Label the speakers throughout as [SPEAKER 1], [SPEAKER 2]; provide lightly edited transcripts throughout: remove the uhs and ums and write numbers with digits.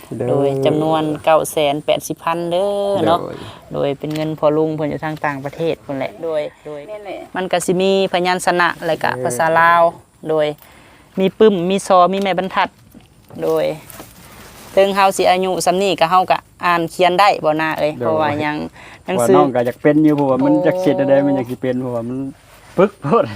[SPEAKER 1] โดยจำนวน 980,000 เด้อเนาะโดยเป็นเงินพอลุงเพิ่นอยู่ทางต่างประเทศพุ่นแหละโดยมันก็สิมีพยัญชนะแล้วก็ภาษาลาวโดยมีปึ้มมีซอมีแม่บรรทัดโดยถึงเฮาสิอายุส่ำนี้ก็เฮาก็อ่านเขียนได้บ่น่าเอ้ยเพราะว่ายังหนังสือ
[SPEAKER 2] น้องก็อยากเป็นอยู่เพราะว่ามันจักเฮ็ดได้มันอยากสิเป็นเพราะว่ามันปึกโพด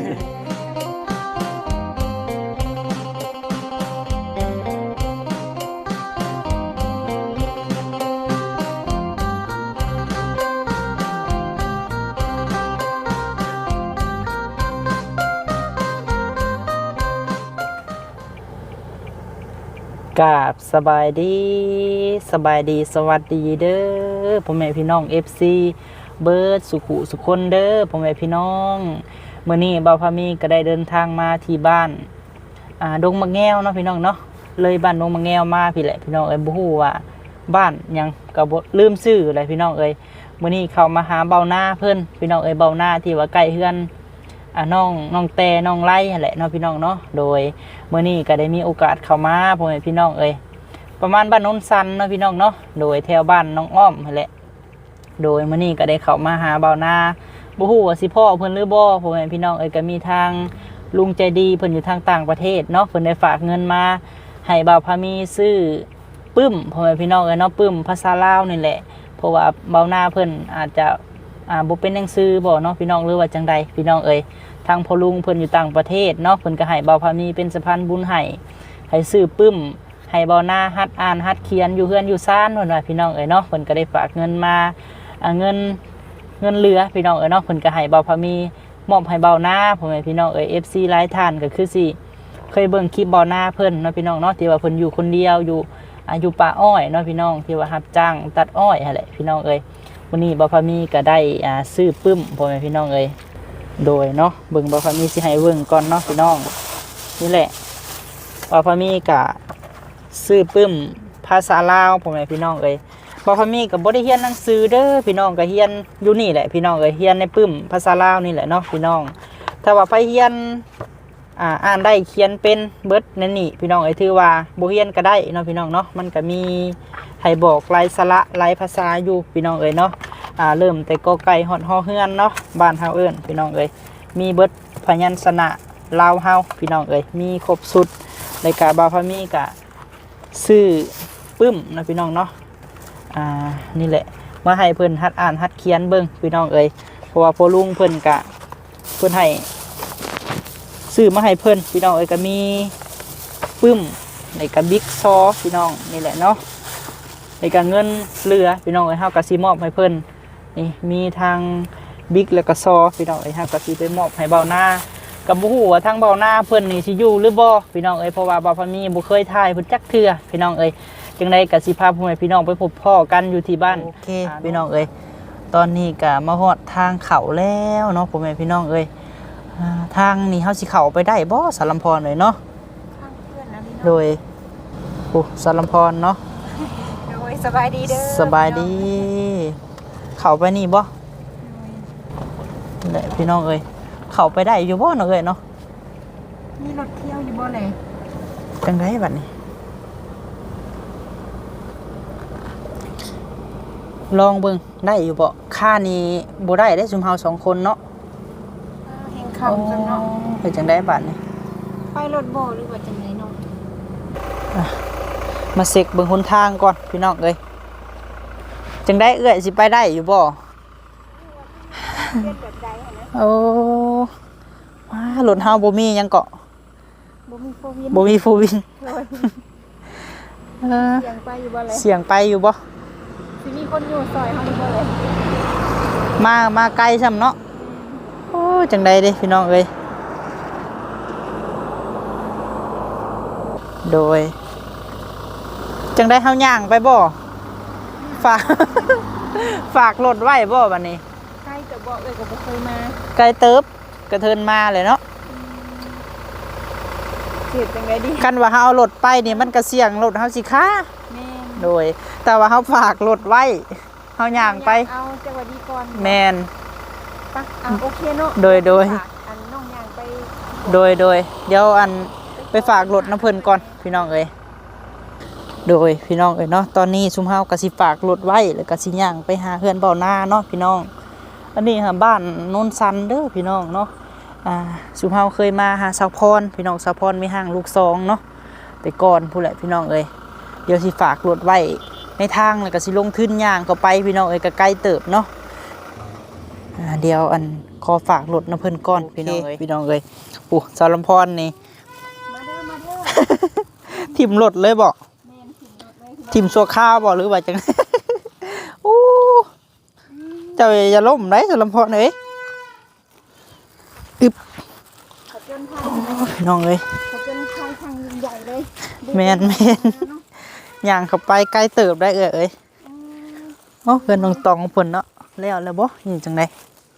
[SPEAKER 1] กราบสบายดีสวัสดีเด้อพ่อแม่พี่น้อง FC เบิร์ดสุขุสุคนเด้อพ่อแม่พี่น้องมื้อนี้บ่าวพามีก็ได้เดินทางมาที่บ้านดงมะแง้วเนาะพี่น้องเนาะเลยบ้านดงมะแง้วมาพี่แหละพี่น้องเอ้ยบ่ฮู้ว่าบ้านหยังก็บ่ลืมชื่ออะไรพี่น้องเอ้ยมื้อนี้เข้ามาหาเบาหน้าเพิ่นพี่น้องเอ้ยเบาหน้าที่ว่าใกล้เฮือนน้องแต่น้องไล่นั่นแหละเนาะพี่น้องเนาะโดยเมื่อนี้ก็ได้มีโอกาสเข้ามาพ่อแม่พี่น้องเอ้ยประมาณบ้านโน้นซันเนาะพี่น้องเนาะโดยแถวบ้านน้องอ้อมนั่นแหละโดยเมื่อนี้ก็ได้เข้ามาหาเบาหน้าบ่ฮู้ว่าสิพ่อเพิ่นหรือบ่พ่อแม่พี่น้องเอ้ยก็มีทางลุงใจดีเพิ่นอยู่ทางต่างประเทศเนาะเพิ่นได้ฝากเงินมาให้บ่าวพามีซื้อปึ้มพ่อแม่พี่น้องเอ้ยเนาะปึ้มภาษาลาวนี่แหละเพราะว่าเบาหน้าเพิ่นอาจจะบ่เป็นหนังสือบ่เนาะพี่น้องหรือว่าจังใดพี่น้องเอ้ยทางพ่อลุงเพิ่นอยู่ต่างประเทศเนาะเพิ่นก็ให้เบาพามีเป็นสะพานบุญให้ซื้อปึ้มให้เบาหน้าฮัดอ่านฮัดเขียนอยู่เฮือนอยู่ซ่านเพิ่นว่าพี่น้องเอ้ยเนาะเพิ่นก็ได้ฝากเงินมาเงินเหลือพี่น้องเอ้ยเนาะเพิ่นก็ให้เบาพามีมอบให้เบาหน้าพ่อแม่พี่น้องเอ้ย FC หลายท่านก็คือสิเคยเบิ่งคลิปเบาหน้าเพิ่นเนาะพี่น้องเนาะที่ว่าเพิ่นอยู่คนเดียวอยู่ป่าอ้อยเนาะพี่น้องที่ว่ารับจ้างตัดอ้อยนั่นแหละพี่น้องเอ้ยวันนี้เบาพามีก็ได้ซื้อปึ้มพ่อแม่พี่น้องเอ้ยโดยเนาะเบิ่งบ่พามีสิให้เบิ่งก่อนเนาะพี่น้องนี่แหละบ่พามีก็ซื้อปึ้มภาษาลาวพ่อแม่พี่น้องเอ้ยบ่พามีก็บ่ได้เรียนหนังสือเด้อพี่น้องก็เรียนอยู่นี่แหละพี่น้องเอ้ยเรียนในปึ้มภาษาลาวนี่แหละเนาะพี่น้องถ้าว่าไปเรียนอ่านได้เขียนเป็นเบิดนั่นนี่พี่น้องเอ้ยถือว่าบ่เรียนก็ได้เนาะพี่น้องเนาะมันก็มีให้บอกหลายสระหลายภาษาอยู่พี่น้องเอ้ยเนาะเริ่มแต่กอไก่ฮอดฮอเฮือนเนาะบ้านเฮาเอิ้นพี่น้องเอ้ยมีเบิดพยัญชนะลาวเฮาพี่น้องเอ้ยมีครบสุดรายการบ่าวพามีก็ซื้อปึ้มนะพี่น้องเนาะนี่แหละมาให้เพิ่นหัดอ่านหัดเขียนเบิ่งพี่น้องเอ้ยเพราะว่าพ่อลุงเพิ่นให้ซื้อมาให้เพิ่นพี่น้องเอ้ยก็มีปึ้มในกระบิ๊กซอพี่น้องนี่แหละเนาะในการเงินเหลือพี่น้องเอ้ยเฮาก็สิมอบให้เพิ่นนี่มีทางบิ๊กแล้วก็ซอพี่น้องเอ้ยเฮาก็สิไปมอบให้เบาหน้ากับบ่ฮู้ว่าทางเบาหน้าเพิ่นนี่สิอยู่หรือบ่พี่น้องเอ้ยเพราะว่าบ่าวพามีบ่เคยถ่ายเพิ่นจักเทื่อพี่น้องเอ้ยจังได๋ก็สิพาพ่อแม่พี่น้องไปพบพ่อกันอยู่ที่บ้านโอเคพี่น้องเอ้ยตอนนี้ก็มาฮอดทางเข้าแล้วเนาะพ่อแม่พี่น้องเอ้ยทางนี้เฮาสิเข้าไปได้บ่สารลำพรเอ้ยเนาะทางเพื่อนนะพี่น้องโดยโอ้สารลำพรเนาะ
[SPEAKER 3] โดยสบายดีเด้อ
[SPEAKER 1] สบายดีเข้าไปนี่บ่แหละพี่น้องเอ้ยเข้าไปได้อยู่บ่เนาะเอ้ยเนาะ
[SPEAKER 3] มีรถเที่ยวอยู่บ่เลย
[SPEAKER 1] จังไดบัดนี้ลองเบิ่งได้อยู่บ่ค่านี้บ่ได้ได้ซุมเฮา2คนเนาะ
[SPEAKER 3] แห่งเขาจังเนาะ
[SPEAKER 1] เป็นจังไดบัดนี้
[SPEAKER 3] ไปรถบ่หรือว่าจังไดเนาะ
[SPEAKER 1] มาเช็คเบิ่งหนทางก่อนพี่น้องเอ้ยจังไดเอื้อยสิไปได้อยู่บ่โอ้ว้ารถเฮาบ่มีหยังเกาะ
[SPEAKER 3] บ่มีโฟวิน
[SPEAKER 1] บ่มีโฟวิน
[SPEAKER 3] เสียงไปอยู่บ่เลย
[SPEAKER 1] เสียงไปอยู่บ่
[SPEAKER 3] สิมีคนอยู่ซอยเฮาอยู่บ่เลย
[SPEAKER 1] มาไกลซ้ำเนาะโอ้จังไดเด้พี่น้องเอ้ยโดยจังไดเฮาย่างไปบ่ฝากรถไว้บ่บัดนี้
[SPEAKER 3] ใกล้จะบ่เอ้ยก็บ่เคยมา
[SPEAKER 1] ไกลเติบกระเทินมาเลยเนาะ
[SPEAKER 3] เสียจังไดดี
[SPEAKER 1] กันว่าเฮาเอารถไปนี่มันก็เสี่ยงรถเฮาสิค้า
[SPEAKER 3] แม่น
[SPEAKER 1] โดยแต่ว่าเฮาฝากรถไว้เฮาย่างไป
[SPEAKER 3] เอาจังหวัดดีก่อน
[SPEAKER 1] แม่น
[SPEAKER 3] ปะโอเคเนาะ
[SPEAKER 1] โดย
[SPEAKER 3] อันน้องย่างไป
[SPEAKER 1] โดยเดี๋ยวไปฝากรถน้ำเพิ่นก่อนพี่น้องเอ้ยโดยพี่น้องเอ้ยเนาะตอนนี้ซุมเฮาก็สิฝากรถไว้แล้วก็สิย่างไปหาเฮือนเบ้าหน้าเนาะพี่น้องอันนี้หาบ้านโนนซันเด้อพี่น้องเนาะซุมเฮาเคยมาหาสาวพรพี่น้องสาวพรมีห้างลูกซองเนาะแต่ก่อนผู้แหละพี่น้องเอ้ยเดี๋ยวสิฝากรถไว้ในทางแล้วก็สิลงทุนย่างเข้าไปพี่น้องเอ้ยก็ไกลเติบเนาะเดี๋ยวขอฝากรถน้ำเพิ่นก่อนพี่น้องเอ้ยพี่น้องเอ้ยปู่สาวลำพรนี่
[SPEAKER 3] มาเด้อมาเด้อ
[SPEAKER 1] ทิ่มรถเลยบ่
[SPEAKER 3] แม่นขึ้นรถเลย
[SPEAKER 1] ทิ่มสัวข้าวบ่หรือว่าจัง โอ้เจ้าอย่าล้มได้สาวลำพรเอ้ยอึบ
[SPEAKER 3] ขจนภัย
[SPEAKER 1] พี่น้องเอ้ย
[SPEAKER 3] ขจนภัยทางยิ่งใหญ่เลย
[SPEAKER 1] แม่นย่างเข้าไปใกล้เติบได้เอ้ยโอ้เพิ่นน้องตองเพิ่นเนาะแล้วบ่นี่จังได๋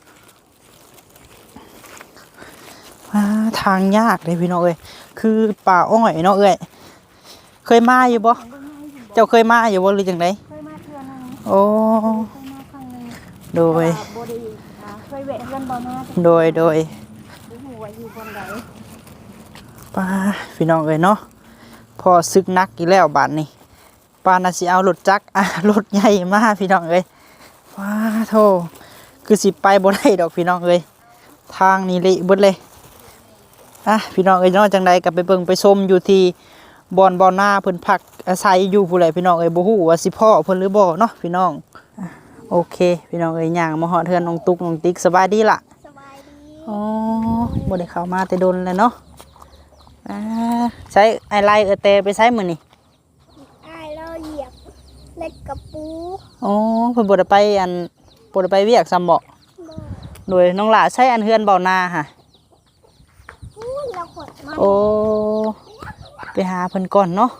[SPEAKER 1] ทางยากเลยพี่น้องเอ้ยคือป่าอ้อยเนาะเอ้ยเคยมาอยู่บ่เจ้าเคยมาอยู่บ่หรือจังได๋
[SPEAKER 3] เคยมาเทื่อนึง
[SPEAKER 1] โอ้
[SPEAKER 3] เคยมาครั้งนึง
[SPEAKER 1] โดย
[SPEAKER 3] บ่ได้เคยแวะเพื่อนบ่มา
[SPEAKER 1] โดย
[SPEAKER 3] บ่ฮู้ว่าอยู่บนใด
[SPEAKER 1] ป้าพี่น้องเอ้ยเนาะพอซึกนักอีกแล้วบาดนี้ป้าน่ะสิเอารถจักรรถใหญ่มาพี่น้องเอ้ยว้าโธ่คือสิไปบ่ได้ดอกพี่น้องเอ้ยทางนี้เละเบิดเลยพี่น้องเอ้ยเนาะจังใดก็ไปเบิ่งไปชมอยู่ที่บ่อนหน้าเพิ่นพักอาศัยอยู่ผู้ใดพี่น้องเอ้ยบ่ฮู้ว่าสิพ่อเพิ่นหรือบ่เนาะพี่น้องโอเคพี่น้องเอ้ยย่างมาฮอดเฮือนน้องตุ๊กน้องติ๊กสบายดีล่ะ
[SPEAKER 3] สบายดี
[SPEAKER 1] อ๋อบ่ได้เข้ามาแต่ดนแล้วเนาะใช้ไอไลเตไปใช้มื้อนี่
[SPEAKER 3] อ้ายเราเหยียบเล็กกระปู
[SPEAKER 1] อ๋อเพิ่นบ่ได้ไปบ่ได้ไปเวียกซ้ำบ่โดยน้องหล่าใช้เฮือนเบานาค่ะ
[SPEAKER 3] เราขดมา
[SPEAKER 1] โอ้ไปหาเพิ่นก่อนเนาะ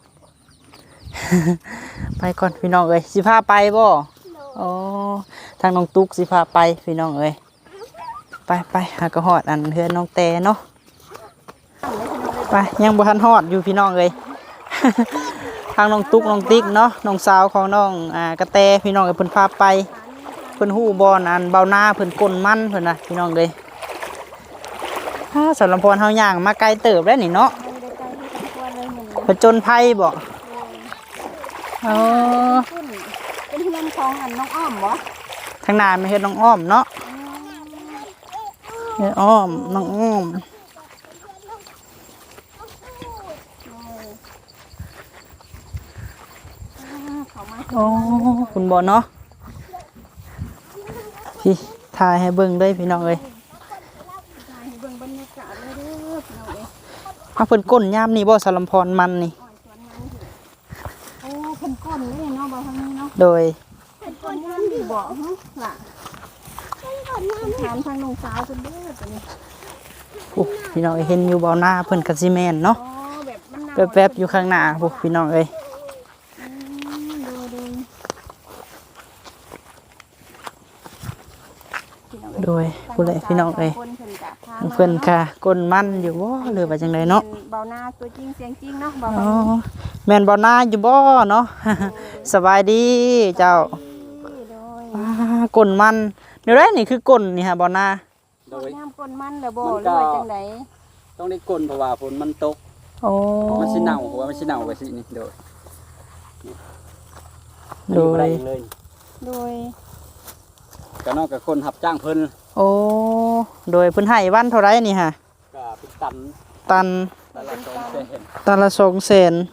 [SPEAKER 1] ไปก่อนพี่น้องเอ้ยสิพาไปบ่อ๋อทางน้องตุ๊กสิพาไปพี่น้องเอ้ยไปหากระหอดเฮือนน้องแต่เนาะไปยังบ่ทันฮอดอยู่พี่น้องเอ้ย ทางน้องตุ๊กน้องติ๊กเนาะน้องสาวของน้องกระแตพี่น้องเอ้ยเพิ่นพาไปเพิ่นฮู้บ่เบาหน้าเพิ่นก้นมันเพิ่นน่ะพี่น้องเอ้ยสำหรับพรเฮาย่างมาไกลเติบแล้วนี่เนาะ
[SPEAKER 3] ไม่ได้ใจที่ทุกวันเลยเหมือน
[SPEAKER 1] ผจญภัยบ่อ๋อ
[SPEAKER 3] ขึ้นเป็นเพื่อนของน้องอ้อมบ่
[SPEAKER 1] ทางหน้าไม่เฮ็ดน้องอ้อมเนาะเฮ็ดอ้อมน้องอ้อมโอ้คุณบ่เนาะพี่ถ่ายให้เบิ่งเลยพี่น้องเอ้ย
[SPEAKER 3] เบิ่งบรรยากาศเลยเด้อพี่น้องเอ้ย
[SPEAKER 1] เพิ่นก้นยามนี่บ่สารมพรมันนี่
[SPEAKER 3] โอ้เพิ่นก้นนี่เนาะบ่ทางนี้เนาะ
[SPEAKER 1] โดย
[SPEAKER 3] เพิ่นก้นงามดีบ่ฮะล่ะเพิ่นก้นงามถามทางน้องสาวเพิ่นเด้อตัวนี้
[SPEAKER 1] โอ้พี่น้องเอ้ยเห็นอยู่เบาหน้าเพิ่นก็สิแม่นเนาะ
[SPEAKER 3] อ๋อแบบมันหนาว
[SPEAKER 1] แป๊บๆอยู่ข้างหน้าพวกพี่น้องเอ้ย
[SPEAKER 3] ดู
[SPEAKER 1] โดยผู้ใดพี่น้องเอ้ย
[SPEAKER 3] คนเพิ่นกะพา
[SPEAKER 1] เพิ่นค่ะก้นมันอยู่บ่หรือว่าจังไดเนาะ
[SPEAKER 3] เบาหน้าตัวจริงเสียงจริงเนาะเบา
[SPEAKER 1] อ๋อแม่นบ่หน้าอยู่บ่เนาะ สบายดีเจ้า
[SPEAKER 3] โดย
[SPEAKER 1] ก้นมันเดี๋ยวได้นี่คือก้นนี่ฮะบ่หน้า
[SPEAKER 2] โดย
[SPEAKER 3] น้ำก้นมันเหรอบ่หรือว่าจังได
[SPEAKER 2] ต้องได้กลนเพราะว่าฝนมันตก
[SPEAKER 1] โอ้
[SPEAKER 2] มันสิเน่าเพราะว่ามันสิเน่าไปสินี่โดย
[SPEAKER 1] โด
[SPEAKER 2] อยู่บ่ได้
[SPEAKER 1] ย
[SPEAKER 2] เองเลย
[SPEAKER 3] โดย
[SPEAKER 2] ก็นอกจากคนรับจ้างเพิ่น
[SPEAKER 1] โอ้โดยเพิ่นให้วันเท่าไรนี่ฮะ
[SPEAKER 2] ก็เป็นตัน
[SPEAKER 1] ตัน
[SPEAKER 2] ตันละ200,000
[SPEAKER 1] ตันละ200,000
[SPEAKER 3] โดย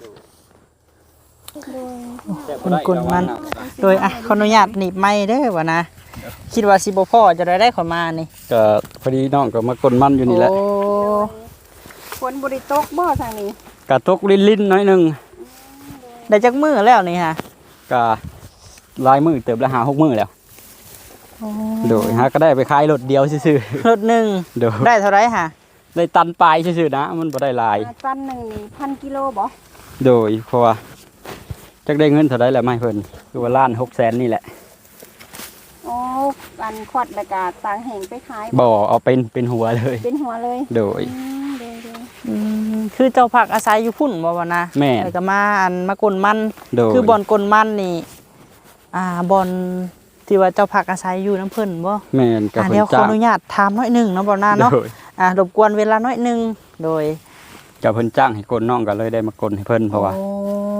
[SPEAKER 2] แต่บ่ได้
[SPEAKER 1] กลนมัน
[SPEAKER 2] ระวังเาะ
[SPEAKER 1] โดยขออนุญาตหนีบไม้เด้อว่านะคิดว่าสิบ่พอจะได้ขอมานี่
[SPEAKER 2] ก็พอดีน้องก็มากลนมันอยู่นี่แหละ
[SPEAKER 1] โอ้
[SPEAKER 3] ฝนบ่ได้ตกบ่ทางนี้
[SPEAKER 2] ก็ตกลิ้นๆหน้อยหนึง
[SPEAKER 1] ได้จักมื้อแล้วนี่ฮะ
[SPEAKER 2] ก็หลายมื้อเติบละ5-6มื้อแล้ว
[SPEAKER 1] โอ้
[SPEAKER 2] โดยฮะก็ได้ไปขายรถเดียวซื่อ
[SPEAKER 1] รถหนึ่ง
[SPEAKER 2] ๆโดย
[SPEAKER 1] ได้เท่าไรฮะ
[SPEAKER 2] ได้ตันปลายซื่อๆนะมันบ่ได้หลาย
[SPEAKER 3] ตันหนึงนี่1,000 กิโลบ่
[SPEAKER 2] โดยเพราะว่าจักได้เงินเท่าไดแล้วไม่เพิ่นคือว่าล้าน600,000นี่แหละ
[SPEAKER 3] โอ้กันขวัดแล้วก็ตางแห้งไปขาย
[SPEAKER 2] บ่เอาเป็นหัวเลย
[SPEAKER 3] เป็นหัวเลย
[SPEAKER 2] โดย
[SPEAKER 3] โดย
[SPEAKER 1] คือเจ้าผักอาศัยอยู่พุ่นบ่วะนะ
[SPEAKER 2] แม่
[SPEAKER 1] แล้วก็มามากลมัน
[SPEAKER 2] โดย
[SPEAKER 1] คือบ่อนกลมันนี่บ่อนที่ว่าเจ้าผักอาศัยอยู่น้ำเพิ่นบ่
[SPEAKER 2] แม่นกับ
[SPEAKER 1] เดี๋ยวขอ
[SPEAKER 2] เพิ่นจ้า
[SPEAKER 1] อง นุญาตถามน้อยหนึงเนาะบ่นาเนาะ
[SPEAKER 2] โดย
[SPEAKER 1] รบกวนเวลาน้อยหนึงโดย
[SPEAKER 2] กับเพิ่นจ้างให้กลน้องก็เลยได้มากลให้เพิ่นเพราะว่า
[SPEAKER 1] โอ้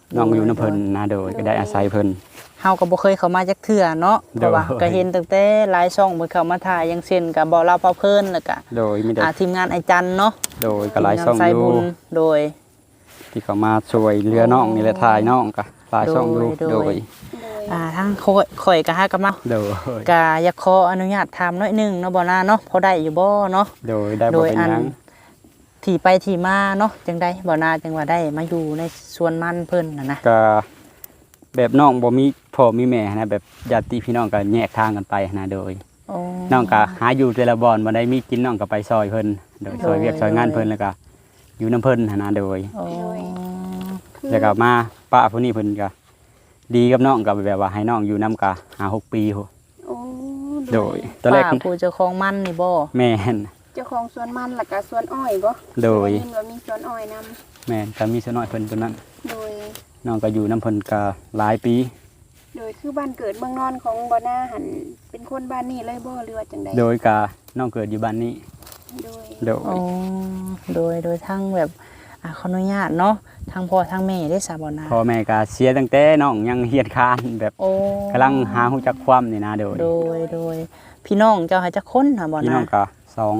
[SPEAKER 2] น้องอยู่น้ำเพิ่นนะโดยก็ได้อาศัยเพิ่น
[SPEAKER 1] เฮาก็บ่เคยเข้ามาจักเทื่อเนาะเพราะว่า
[SPEAKER 2] โดย
[SPEAKER 1] ก็เห็นตั้งแต่หลายช่องเพิ่นเข้ามาถ่ายอย่างเช่นก็บ่เล่าเผาเพิ่นแล้วก็
[SPEAKER 2] โดยมีแต่
[SPEAKER 1] ทีมงานไอ้จันเนาะ
[SPEAKER 2] โดยก็หลายช่อง
[SPEAKER 1] ทีมงนสาย
[SPEAKER 2] อยู่
[SPEAKER 1] บุญโดย
[SPEAKER 2] ที่เขามาช่วยเรือน้องนี่แหละถ่ายน้องก็หลายช่องอยู่
[SPEAKER 1] โดย
[SPEAKER 2] โดย
[SPEAKER 3] โดย
[SPEAKER 1] ทั้งข่อยก็หากันมา
[SPEAKER 2] โดย
[SPEAKER 1] ก็อยากขออนุญาตถามหน่อยหนึงเนาะบ่นาเนาะพอได้อยู่บ่เนาะ
[SPEAKER 2] โดยได้
[SPEAKER 1] โด
[SPEAKER 2] บ่
[SPEAKER 1] ย
[SPEAKER 2] เป็น
[SPEAKER 1] อั
[SPEAKER 2] ห
[SPEAKER 1] น
[SPEAKER 2] ยัง
[SPEAKER 1] ที่ไปที่มาเนาะจังได๋บ่นาจังว่าได้มาอยู่ในสวนมันเพิ่นน่ะนะ
[SPEAKER 2] ก็แบบน้องบ่มีพ่อมีแม่นะแบบญาติพี่น้องก็แยกทางกันไปนะโดย
[SPEAKER 1] โอ้
[SPEAKER 2] น้องก็หาอยู่แต่ละบ่อนบ่ได้มีกินน้องก็ไปซอยเพิ่นโดยซอยเวียกซอยงานเพิ่นแล้วก็อยู่น้ำเพิ่นนะโดย
[SPEAKER 1] โอ้
[SPEAKER 3] คือ
[SPEAKER 2] แล้วก็มาป้าผู้นี้เพิ่นก็ดีกับน้องก็แบบว่าให้น้องอยู่นํก็5-6 ปีโห
[SPEAKER 3] โอ้
[SPEAKER 2] โดยตอนแรก
[SPEAKER 1] ป้าผู้เจ้าของมันนี่บ่
[SPEAKER 2] แม่น
[SPEAKER 3] เจ้าของสวนมันแล้วก็สวนอ้อยบ่
[SPEAKER 2] โดย
[SPEAKER 3] ได้นว่ามีสวนอ้อยนำ
[SPEAKER 2] แม่นก็มีสน้อยเพิ่นตัวนั้น
[SPEAKER 3] โดย
[SPEAKER 2] น้องก็อยู่น้ำเพิ่นก็หลายปี
[SPEAKER 3] โดยคือบ้านเกิดเมืองนอนของบ่นาหันเป็นคนบ้านนี้เลยบ่หรือว่าจังใด
[SPEAKER 2] โดยก็น้องเกิดอยู่บ้านนี้
[SPEAKER 3] โดย
[SPEAKER 2] โดย
[SPEAKER 1] โอ้โดยทั้งแบบขออนุญาตเนาะทั้งพ่อทั้งแม่ได้สาบ่นา
[SPEAKER 2] พ่อแม่ก็เสียตั้งแต่น้องยังเฮียนคานแบบ
[SPEAKER 1] โอ้
[SPEAKER 2] กำลังหาฮู้จักความนี่นะโดย
[SPEAKER 1] โดยพี่น้องเจ้าให้จักคนหาบ่
[SPEAKER 2] พี่
[SPEAKER 1] นา
[SPEAKER 2] น้องก็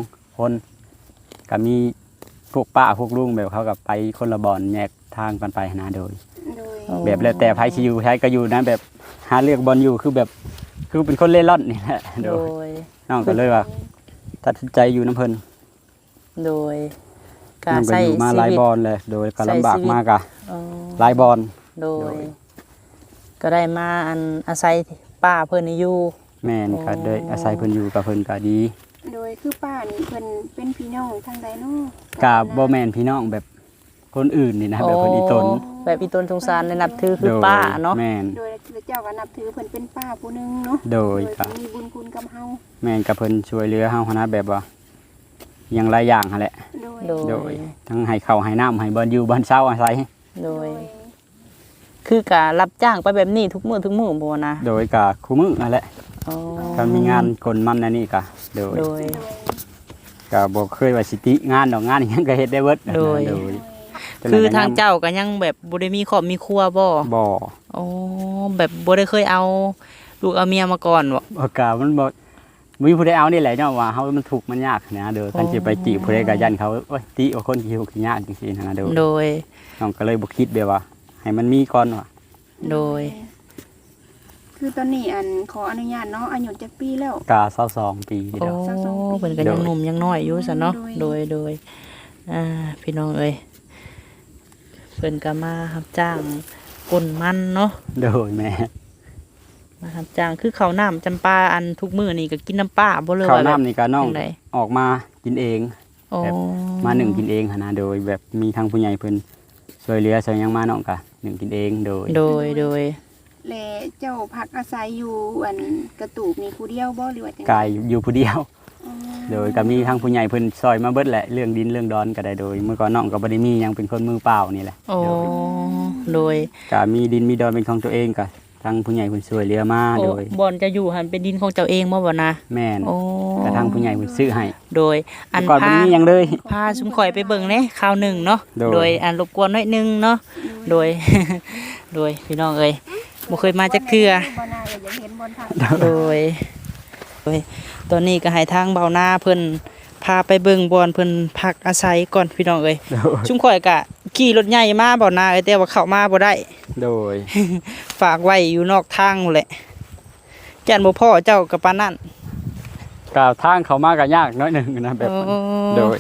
[SPEAKER 2] 2 คนก็มีพวกป้าพวกลุงแบบเขาก็ไปคนละบ่อนแยกทางกันไปนะโดย
[SPEAKER 3] โดย
[SPEAKER 2] แบบแล้วแต่ไผสิอยู่ไผก็อยู่นะแบบหาเลือกบอลอยู่คือแบบคือเป็นคนเล่ร่อนนี่แหละโด
[SPEAKER 1] โด
[SPEAKER 2] ย
[SPEAKER 1] ย
[SPEAKER 2] น้องก็เลยว่าตัดสินใจอยู่น้ำเพิ่น
[SPEAKER 1] โดย
[SPEAKER 2] น้องก็อยู่มาหลายบอลเลยโดยก็ลำบากมากอะ
[SPEAKER 1] อ๋อ
[SPEAKER 2] หลายบอล
[SPEAKER 1] โด
[SPEAKER 2] โด
[SPEAKER 1] ย
[SPEAKER 2] ย
[SPEAKER 1] ก็ได้มาอาศัยป้าเพิ่นนี่อยู่
[SPEAKER 2] แม่นก็ได้อาศัยเพิ่นอยู่กับเพิ่นก็ดี
[SPEAKER 3] โดยคือป้านี่เพิ่นเป็นพี่น้องทางใดเนาะ
[SPEAKER 2] ก็บ่แม่นพี่น้องแบบคนอื่นนี่นะแบบเพิ่นอีตน
[SPEAKER 1] แบบอีตนสงสารในนับถือคือ
[SPEAKER 2] โดย
[SPEAKER 1] ป้าเนาะ
[SPEAKER 2] แม่น
[SPEAKER 3] โดยเจ้าก็นับถือเพิ่นเป็นป้าผู้หนึงเนาะ
[SPEAKER 2] โดย
[SPEAKER 3] เพิ่นมีบุญคุณกับเฮา
[SPEAKER 2] แม่นกับเพิ่นช่วยเหลือเฮาหั้นนะแบบว่าอย่างหลายอย่างหั่นแหละ
[SPEAKER 3] โดย
[SPEAKER 1] โด
[SPEAKER 2] โดยทั้งให้ข้าวให้น้ำให้บอลอยู่บอลเช้าอาศัย
[SPEAKER 1] โดย คือการรับจ้างไปแบบนี้ทุกมื้อบ่นะ
[SPEAKER 2] โดยก็คู่มือนั่นแหละ
[SPEAKER 1] อ๋อ
[SPEAKER 2] ก็มีงานกลมันอันนี้ก็โดย
[SPEAKER 1] โดย
[SPEAKER 3] โดย
[SPEAKER 2] ก็บ่เคยว่าสิติงานดอกงานอิหยังก็เฮ็ดได้เบิด
[SPEAKER 1] โดย คือทางเจ้าก็ยังแบบบ่ได้มีครอบมีครัวบ่
[SPEAKER 2] บ่
[SPEAKER 1] โอ้แบบบ่ได้เคยเอาลูกเอาเมียมาก่อนบ่
[SPEAKER 2] บ่กะมันบ่มีผู้ใดเอานี่แหละเนาะว่าเฮามันทุกข์มันยากนะเด้อคันสิไปติผู้ใดก็ยันเขาโอ้ยติว่าคนขี้ทุกข์ขี้ยากจังซี่นะเด้อ
[SPEAKER 1] โดย
[SPEAKER 2] น้องก็เลยบ่คิดแบบว่า ให้มันมีก่อนว่า
[SPEAKER 1] โดย
[SPEAKER 3] คือตอนนี้ขออนุญาตเนาะอายุจักปีแล้ว
[SPEAKER 2] ก็22ปี
[SPEAKER 1] โอ้
[SPEAKER 2] เด้อ
[SPEAKER 1] เพิ่นก็ยังหนุ่มยังน้อยอยู่ซะเนาะ
[SPEAKER 3] โดย
[SPEAKER 1] โดยพี่น้องเอ้ยเพิ่นก็มารับจ้างกลมันเนาะ
[SPEAKER 2] โดยแม่
[SPEAKER 1] มารับจ้างคือข้าวน้ำจำปาอันทุกมื้อนี่ก็กินน้ำป้าบ่เลย
[SPEAKER 2] ข้าว
[SPEAKER 1] ว่า
[SPEAKER 2] น้ำนี่ก็น้อง
[SPEAKER 1] จังได
[SPEAKER 2] ออกมากินเอง
[SPEAKER 1] โอ้
[SPEAKER 2] แบบ มาหนึ่งกินเองหั่นนะโดยแบบมีทางผู้ใหญ่เพิ่นช่วยเหลือช่วยหยังมาน้องก็หนึ่งกินเองโดย
[SPEAKER 1] โดย
[SPEAKER 3] และเจ้าพักอาศัยอยู่กระตูบนี่ผู้เดียวบ่หรือว่าจัง
[SPEAKER 2] กายอยู่ผู้เดียว
[SPEAKER 3] อ๋อ
[SPEAKER 2] โดยก็มีทางผู้ใหญ่เพิ่นซอยมาเบิดแหละเรื่องดินเรื่องดอนก็ได้โดย เมื่อก่อนน้องก็บ่ได้มีหยังเป็นคนมือเปล่านี่แหละ
[SPEAKER 1] โอ้
[SPEAKER 2] โดย
[SPEAKER 1] โดย
[SPEAKER 2] ก็มีดินมีดอนเป็นของตัวเองก็ทางผู้ใหญ่เพิ่นช่วยเหลือมา
[SPEAKER 1] โอ้
[SPEAKER 2] โดย
[SPEAKER 1] บ่อนจะอยู่หันเป็นดินของเจ้าเองบ่นะ
[SPEAKER 2] แม่น
[SPEAKER 1] โอ้
[SPEAKER 2] ก็ทางผู้ใหญ่เพิ่นซื้อให้
[SPEAKER 1] โดยอัน
[SPEAKER 2] เมื่อก่อนบ่
[SPEAKER 1] พา
[SPEAKER 2] มีหยังเลย
[SPEAKER 1] พาสุมข่อยไปเบิ่งเน่คราวหนึ่งเนาะ
[SPEAKER 2] โดย
[SPEAKER 1] โดยอันรบกวนน้อยหนึงเนาะโดย โดยพี่น้องเอ้ยบ่เคยมาจักเทื่อ
[SPEAKER 3] บ่น่าจะอยากเห็นบนทาง
[SPEAKER 1] โดยตอนนี้ก็ให้ทางเบาหน้าเพิ่นพาไปเบิ่งบอนเพิ่นพักอาศัยก่อนพี่น้องเอ้ย
[SPEAKER 2] โดย
[SPEAKER 1] ชุมข่อยก็ขี่รถใหญ่มาเบาหน้าเอ้ยแต่ว่าเข้ามาบ่ได้
[SPEAKER 2] โดย
[SPEAKER 1] ฝากไว้อยู่นอกทางนั่นแหละแก่นบ่พ่อเจ้ากับปานนั้น
[SPEAKER 2] ก็ทางเขามาก็ยากน้อยหนึงนะแบบ
[SPEAKER 1] โอ้
[SPEAKER 2] โดย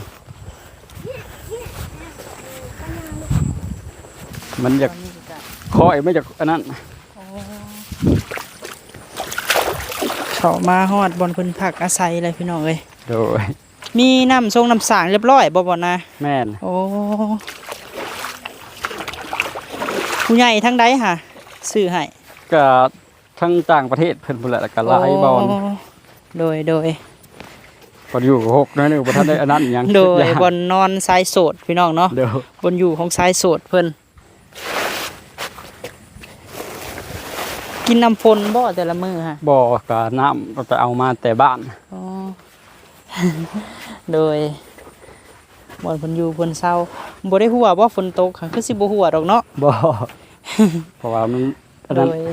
[SPEAKER 2] มันอยากคอยไม่จากอันนั้น
[SPEAKER 1] เข้ามาฮอดบอนเพิ่นพักอาศัยเลยพี่น้องเอ้ย
[SPEAKER 2] โดย
[SPEAKER 1] มีน้ำทรงน้ำสางเรียบร้อยบ่นะ
[SPEAKER 2] แม่น
[SPEAKER 1] โอ้ผู้ใหญ่ทั้งใดค่ะซื้อให้
[SPEAKER 2] ก็ทั้งต่างประเทศเพิ่นพุ่นแหละแล้วก็หลายบอล
[SPEAKER 1] โดย
[SPEAKER 2] พออยู่กับหกน้อยหนึงบ่ทันได้อันนั้นหยัง
[SPEAKER 1] โดย
[SPEAKER 2] คิาก
[SPEAKER 1] บนนอนสายโสดพี่น้องเนาะ
[SPEAKER 2] เดี๋ยว
[SPEAKER 1] บนอยู่ของสายโสดเพิ่นกินน้ำฝนบ่แต่ละมื้อค่ะ
[SPEAKER 2] บ่อกับน้ำเราไปเอามาแต่บ้าน
[SPEAKER 1] อ๋อ โดยบนเพิ่นอยู่เพิ่นเศร้าบ่ได้หัวบ่ฝนตกค่ะคือสิบ่หัวดอกเนาะ
[SPEAKER 2] บ่เพราะว่ามันตอน
[SPEAKER 1] โด
[SPEAKER 2] นั้น
[SPEAKER 1] ย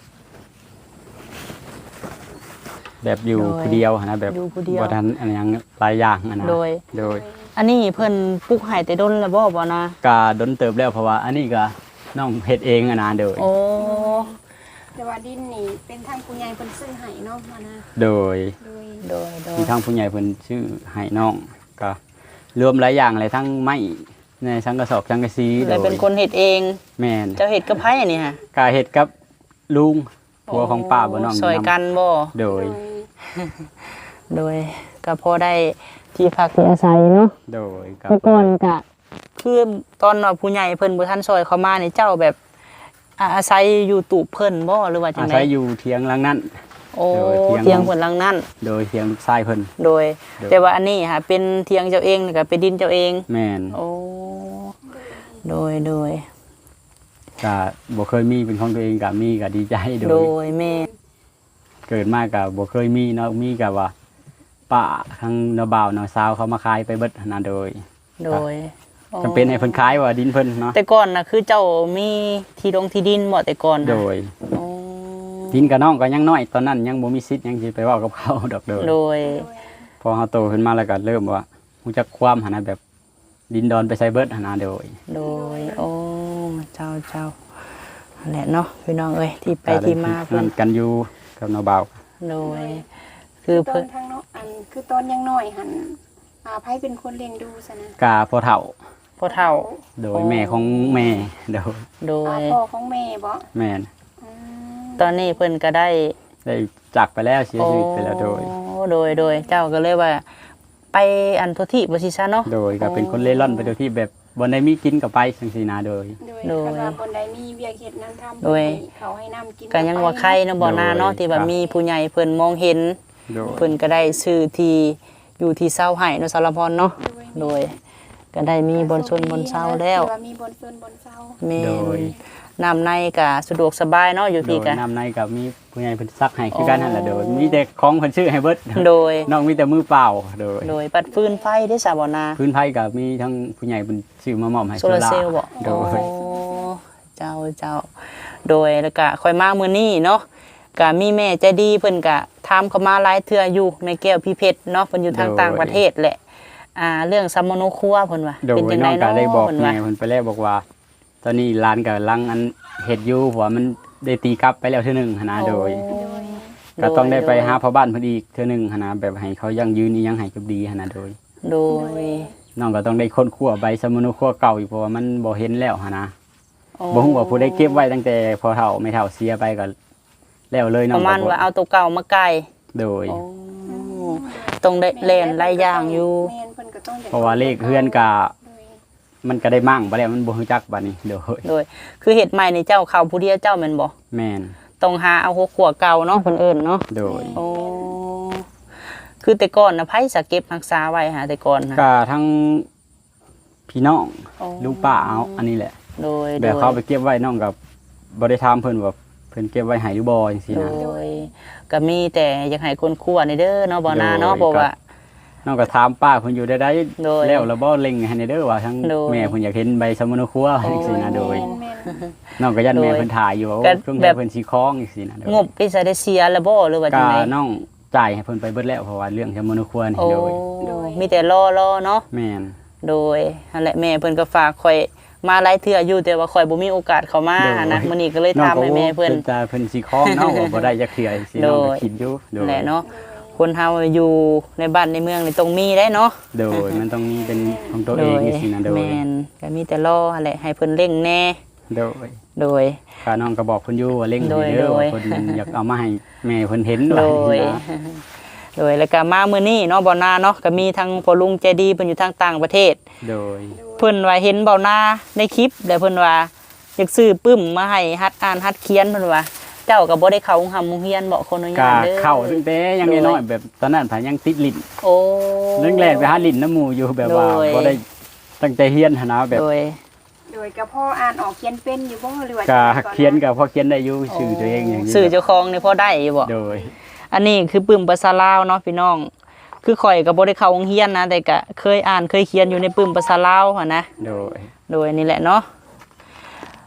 [SPEAKER 2] แบบอยู่ผู้เดียวนะแบบ
[SPEAKER 1] อยู่ผู้เดียว
[SPEAKER 2] บ่ทันอันหยังหลายอย่างนะ
[SPEAKER 1] โดย
[SPEAKER 2] โดย
[SPEAKER 1] อันนี้เพิ่นปลูกให้แต่ดนแล้วบ่นะ
[SPEAKER 2] กาดนเติบแล้วเพราะว่าอันนี้ก็น้องเฮ็ดเองนะโดย
[SPEAKER 1] โอ้
[SPEAKER 3] แต่ว่าดินนี่เป็นทางผู้ใหญ่เพิ่นซื้อให้เนาะมานะ
[SPEAKER 2] โดย
[SPEAKER 3] โดย
[SPEAKER 1] โดยโดย
[SPEAKER 2] มีทั้งผู้ใหญ่เพิ่นชื่อให้น้องก็รวมหลายอย่างเลยทั้งไม้ในสังกะสอบสังกะสีโด
[SPEAKER 1] เลย
[SPEAKER 2] ย
[SPEAKER 1] เป็นคนเฮ็ดเอง
[SPEAKER 2] แม่น
[SPEAKER 1] เจ้าเฮ็ดกับไผนี่ฮะ
[SPEAKER 2] กาเฮ็ดกับลุงผัวของป้าบ่น้อง
[SPEAKER 1] ซอยกันบ่
[SPEAKER 2] โดย
[SPEAKER 1] โดยก็พอได้ที่พักที่อาศัยเนาะ
[SPEAKER 2] โดยกับ
[SPEAKER 1] เมื่อก่อนก็คือตอนว่าผู้ใหญ่เพิ่นบ่ทันซอยเข้ามานี่เจ้าแบบอาศัยอยู่ตูบเพิ่นบ่หรือว่าจั
[SPEAKER 2] อาง
[SPEAKER 1] ได๋
[SPEAKER 2] ศัยอยู่เทียงหลังนั้น
[SPEAKER 1] โอ้
[SPEAKER 2] โดยเถียง
[SPEAKER 1] เถียงเพิ่นหลังนั้น
[SPEAKER 2] โดยเทียงลูกชายเพิ่น
[SPEAKER 1] โดย
[SPEAKER 2] โดย
[SPEAKER 1] แต่ว่าอันนี้ค่ะเป็นเถียงเจ้าเองนี่ก็เป็นดินเจ้าเอง
[SPEAKER 2] แม่น
[SPEAKER 1] โอ้โดยโดย
[SPEAKER 2] ก็บ่เคยมีเป็นของตัวเองก็มีก็ดีใจโด
[SPEAKER 1] โด
[SPEAKER 2] ย
[SPEAKER 1] ยแม่
[SPEAKER 2] เกิดมาก็บ่เคยมีเนาะมีก็ว่าป้าทั้งน้าบ่าวน้าสาวเขามาขายไปเบิดนะโดย
[SPEAKER 1] โดย
[SPEAKER 2] จำเป็นให้เพิ่นขายว่าดินเพิ่นเนาะ
[SPEAKER 1] แต่ก่อนน่ะคือเจ้ามีที่ดงที่ดินบ่แต่ก่อนน่ะ
[SPEAKER 2] โดย
[SPEAKER 1] โอ้
[SPEAKER 2] ดินกับน้องก็ยังน้อยตอนนั้นยังบ่มีสิทธิ์ยังสิไปเว้ากับเขาดอกโดย
[SPEAKER 1] โดย
[SPEAKER 2] พอเฮาโตขึ้นมาแล้วก็เริ่มว่ารู้จักความหันนะแบบดินดอนไปใส่เบิดหันนะโดย
[SPEAKER 1] โดยโอ้เจ้านั่นแหละเนาะพี่น้องเอ้ยที่ไปที่มาเพิ่
[SPEAKER 2] นั่
[SPEAKER 1] น
[SPEAKER 2] นกันอยู่กับน้าบ่าว
[SPEAKER 1] โดย คือ
[SPEAKER 3] ตอ
[SPEAKER 1] เพิ่
[SPEAKER 3] น
[SPEAKER 1] น
[SPEAKER 3] ทางเนาะอันคือตอนยังน้อยหันไผเป็นคนเลี้ยงดูซะนะ
[SPEAKER 2] กาพ่อเฒ่า
[SPEAKER 1] พ่อเฒ่า
[SPEAKER 2] โดยแม่ของแม่โดย
[SPEAKER 1] โดย
[SPEAKER 3] พ่อของแม่บ่
[SPEAKER 2] แม่น
[SPEAKER 3] อืม
[SPEAKER 1] ตอนนี้เพิ่นก็ได้
[SPEAKER 2] ได้จากไปแล้วเสียชีวิตไปแล้วโดย
[SPEAKER 1] โดยเจ้าก็เลยว่า ไปอันโทที่บ่สิซะเนาะ
[SPEAKER 2] โดยก็เป็นคนเล่ร่อนไปโดยที่แบบบ่ได้มีกินกับไปจังซี่นะโดย
[SPEAKER 3] โดยคันว่าบนใดมีเวียกเฮ็ดนั้นทำ
[SPEAKER 1] โดย
[SPEAKER 3] เขาให้น้ำกิน
[SPEAKER 1] ก็ยังว่าใครเนาะบ่นาเนาะที่ว่ามีผู้ใหญ่เพิ่นมองเห็น
[SPEAKER 2] โดย
[SPEAKER 1] เพิ่นก็ได้ซื้อที่อยู่ที่เซาให้เนาะสารพรเนาะโดย ก็ได้มีบนชนบนเซาแล้ว
[SPEAKER 3] ที่ามีบนชนบนเซา
[SPEAKER 1] แม่
[SPEAKER 2] โดย
[SPEAKER 1] น้ำในก็สะดวกสบายเนาะอยู่
[SPEAKER 2] โด
[SPEAKER 1] พี่
[SPEAKER 2] ย
[SPEAKER 1] ก็
[SPEAKER 2] น้ำในกับมีผู้ใหญ่เพิ่นซักให้คือกันนั่นแหละโดยมีแต่ของเพิ่นซื้อให้เบิด
[SPEAKER 1] โดย
[SPEAKER 2] น้องมีแต่มือเปล่าโดย
[SPEAKER 1] โดยปัดฟืนไฟได้สาบ่นา
[SPEAKER 2] พื้นไผก็มีทั้งผู้ใหญ่เพิ่นซื้อมามอบให้
[SPEAKER 1] โซลาร์เซลล์บ่
[SPEAKER 2] โด
[SPEAKER 1] โอ้
[SPEAKER 2] ย
[SPEAKER 1] เจ้า โดยแล้วก็ค่อยมามื้อนี้เนาะก็มีแม่ใจดีเพิ่นก็ถามเข้ามาหลายเทื่ออยู่แม่แก้วพี่เพชรเนาะเพิ่นอยู่ทางต่างประเทศแหละ เรื่องซัมโมโนครัวเพิ่นว่า
[SPEAKER 2] โดย
[SPEAKER 1] เป็นจัง
[SPEAKER 2] น้
[SPEAKER 1] ได
[SPEAKER 2] องก็
[SPEAKER 1] เนาะ
[SPEAKER 2] ได้บอก
[SPEAKER 1] เพิ่น
[SPEAKER 2] แม่
[SPEAKER 1] ว่า
[SPEAKER 2] เพิ่นไปแล้วบอกว่า ตอนนี้ร้านก็ลังอันเฮ็ดอยู่เพราะว่ามันได้ตีกลับไปแล้วเทื่อหนึงหันนะโดย ก็ต้องได้ไปหาพ่อบ้านเพิ่นอีกเทื่อหนึงหันนะแบบให้เขายังยืนอีหยังให้กับดีหันนะโดย
[SPEAKER 1] โดย
[SPEAKER 2] น้องก็ต้องได้ค้นคว้าใบสมุนครัวเก่าอีกเพราะว่ามันบ่เห็นแล้วหันนะ
[SPEAKER 1] โอ้
[SPEAKER 2] บ่ฮู้ว่าผู้ใดเก็บไว้ตั้งแต่พอเฒ่าไม่เฒ่าเสียไปก็แล้วเลยน้
[SPEAKER 1] ป
[SPEAKER 2] อง
[SPEAKER 1] ระมาณ
[SPEAKER 2] ก็บ่
[SPEAKER 1] ว่าเอาตัวเก่ามาไกล
[SPEAKER 2] โดย
[SPEAKER 1] โอ้ต้องได้เล่นหลายอย่างอยู่
[SPEAKER 3] แม่นเพิ่นก็ต้องได้
[SPEAKER 2] เพราะว่าเลขเฮือนก็
[SPEAKER 3] โดย
[SPEAKER 2] มันก็ได้มั่งไปแล้วมันบ่ฮู้จักบัดนี้โดย
[SPEAKER 1] โดย คือเฮ็ดใหม่นี่เจ้าเข้าผู้เดียวเจ้าแม่นบ่
[SPEAKER 2] แม่น
[SPEAKER 1] ต้องหาเอาหัวขัวเก่าเนาะเพิ่นเอิ้นเนาะ
[SPEAKER 2] โดย
[SPEAKER 1] โอ้คือแต่ก่อนนะไผสะเก็บรักษาไว้หาแต่ก่อนนะ
[SPEAKER 2] ก็ทั้งพี่น้อง
[SPEAKER 1] โอ้
[SPEAKER 2] ลูกป้าเอาอันนี้แหละ
[SPEAKER 1] โดย
[SPEAKER 2] แบบเขาไปเก็บไว้น้องกับบ่ได้ถามเพิ่นว่าเพิ่นเก็บไว้ให้หรือบ่จังซี่นะ
[SPEAKER 1] โดยก็มีแต่อยากให้คนคั่วนี่เด้อเนาะบ่นาเนาะ
[SPEAKER 2] โดย
[SPEAKER 1] เพราะว่า
[SPEAKER 2] น้องก็ถามป้าเพิ่นอยู่ได้
[SPEAKER 1] โดย
[SPEAKER 2] แล้วบ่เล็งให้ในเด้อว่าทั้ง
[SPEAKER 1] โดย
[SPEAKER 2] แม่เพิ่นอยากเห็นใบสมุนครัวจังซี่นะโดย
[SPEAKER 3] แม่น
[SPEAKER 2] น้องก็ยัน
[SPEAKER 1] โดย
[SPEAKER 2] แม่เพิ่นถ่ายอยู่ว่า
[SPEAKER 1] ก็
[SPEAKER 2] ช่วง
[SPEAKER 1] แบ
[SPEAKER 2] นี้
[SPEAKER 1] บ
[SPEAKER 2] เพิ่นสิคล้องจังซี่นะโดย
[SPEAKER 1] งบที่จะได้เสียแล้วบ่หรือว่าจั
[SPEAKER 2] ก็
[SPEAKER 1] งได
[SPEAKER 2] น้องจ่ายให้เพิ่นไปเบิดแล้วเพราะว่าเรื่องสมุนครัวนี่
[SPEAKER 1] โอ้
[SPEAKER 2] โดย
[SPEAKER 1] มีแต่รอเนาะ
[SPEAKER 2] แม่น
[SPEAKER 1] โดยนั่นแหละแม่เพิ่นก็ฝากข่อยมาหลายเทื่ออยู่แต่ว่าข่อยบ่มีโอกาสเข้ามานะมื้อนี้ก็เลยถามให้แม่เพิ่น
[SPEAKER 2] จะเพิ่นสิคล้องเนาะว่าบ่ได้จักเทื่อจังซี่น้องก็
[SPEAKER 1] โดย
[SPEAKER 2] คิดอยู่โดย
[SPEAKER 1] แหละเนาะคนเฮาอยู่ในบ้านในเมืองนี่ต้องมีได้เนาะ
[SPEAKER 2] โดยมันต้องมีเป็นของตัว
[SPEAKER 1] โด
[SPEAKER 2] เอง
[SPEAKER 1] ย
[SPEAKER 2] จังซี่นะโดย
[SPEAKER 1] แม่นก็มีแต่รอหั่นแหละให้เพิ่นเร่งแน่
[SPEAKER 2] โดย
[SPEAKER 1] โดย
[SPEAKER 2] ก็น้องก็บอกเพิ่นอยู่ว่าเร่ง
[SPEAKER 1] โดย
[SPEAKER 2] ให้เด้อ
[SPEAKER 1] โดย
[SPEAKER 2] ว่าเพิ่นอยากเอามาให้แม่เพิ่นเห็น
[SPEAKER 1] โด
[SPEAKER 2] ว่าย จังซี่นะ
[SPEAKER 1] โดยแล้วก็มามื้อนี้เนาะบ่นาเนาะก็มีทั้งพ่อลุงใจดีเพิ่นอยู่ทางต่างประเทศ
[SPEAKER 2] โดย
[SPEAKER 1] เพิ่นว่าเห็นเบาหน้าในคลิปแล้วเพิ่นว่าอยากซื้อปึ้มมาให้ฮัดอ่านฮัดเขียนเพิ่นว่า เจ้าก็บ่ได้เข้าโรงหำโรงเรียนบ่คนอนุ
[SPEAKER 2] ก็
[SPEAKER 1] ญาตเด้อ
[SPEAKER 2] เข้าตั้งแต่ยังน้อยๆแบบตอนนั้นผายังติดลิ้น
[SPEAKER 1] โอ้
[SPEAKER 2] เรื่องแรกไปหาลิ้นน้ำหมู่อยู่แบบว่า
[SPEAKER 1] โดย
[SPEAKER 2] บ่ได้ตั้งใจเรียนหันนะแบบ
[SPEAKER 1] โดย
[SPEAKER 3] โดยก็พ่ออ่านออกเขียนเป็นอยู่บ่หรือว่า
[SPEAKER 2] ก็
[SPEAKER 3] จังใดก่อ
[SPEAKER 2] เขียนก็พอเขียนได้อยู่ชื่อตัวเองอย่างนี้
[SPEAKER 1] สื่อเจ้าของนี่พอได้อยู่บ่
[SPEAKER 2] โดย
[SPEAKER 1] อันนี้คือปึ้มภาษาลาวเนาะพี่น้อง คือข่อยก็บ่ได้เข้าโรงเรียนนะแต่ก็เคยอ่านเคยเขียนอยู่ในปึ้มภาษาลาวหั่นนะ
[SPEAKER 2] โดย
[SPEAKER 1] โดยนี่แหละเนาะ